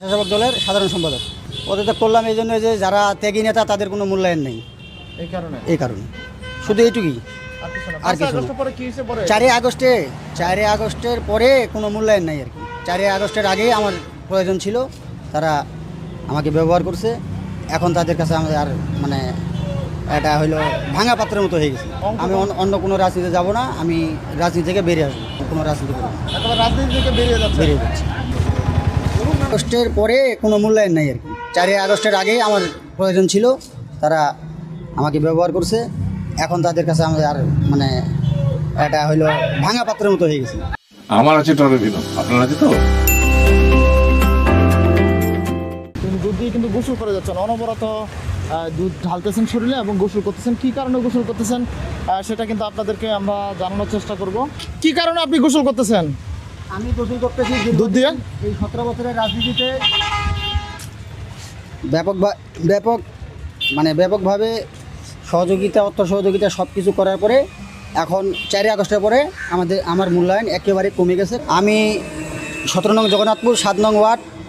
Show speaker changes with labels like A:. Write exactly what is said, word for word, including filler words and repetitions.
A: স্বেচ্ছাসেবক দলের সাধারণ সম্পাদক পদত্যাগ করলাম এই জন্য যে যারা ত্যাগী নেতা তাদের কোনো মূল্যায়ন নেই,
B: এই কারণে
A: এই কারণে শুধু এইটুকুই। আর কিছু না।
B: পরে কি হয়েছে পরে
A: চারই আগস্টে চারই আগস্টের পরে কোনো মূল্যায়ন নাই আর কি। চারই আগস্টের আগেই আমার প্রয়োজন ছিল, তারা আমাকে ব্যবহার করছে। এখন তাদের কাছে আমাদের আর মানে এটা হইলো ভাঙা পাত্রের মতো হয়ে গেছে। আমি অন্য- অন্য কোনো রাজনীতিতে যাব না, আমি রাজনীতি থেকে বেরিয়ে আসবো, কোনো রাজনীতি করবো না,
B: একেবারে রাজনীতি থেকে বেরিয়ে যাচ্ছে।
A: বেরিয়ে যাচ্ছে। আগস্টের পরে কোনো মূল্যায়ন নাই আর কি। চারই আগস্টের আগেই আমার প্রয়োজন ছিল, তারা আমাকে ব্যবহার করছে। এখন তাদের কাছে আমাদের আর মানে এটা হইলো ভাঙা পাত্রের মতো হয়ে গেছে।
C: আমার আছে টরেভিনো, আপনার আছে তো?
B: তিনি দুধ দিয়ে কিন্তু গোসল করে যাচ্ছেন, অনবরত আহ, দুধ ঢালতেছেন শরীরে এবং গোসল করতেছেন। কি কারণে গোসল করতেছেন আহ, সেটা কিন্তু আপনাদেরকে আমরা জানানোর চেষ্টা করব। কি কারণে আপনি গোসল করতেছেন?
A: আমি গোসল করতেছি
B: দুধ দিয়ে?
A: এই সতেরো বছরের রাজনীতিতে ব্যাপক ব্যাপক মানে ব্যাপকভাবে সহযোগিতা, অর্থ সহযোগিতা সব কিছু করার পরে এখন চারই আগস্টের পরে আমাদের আমার মূল্যায়ন একেবারে কমে গেছে। আমি সতেরো নং জগন্নাথপুর সাত নং ওয়ার্ড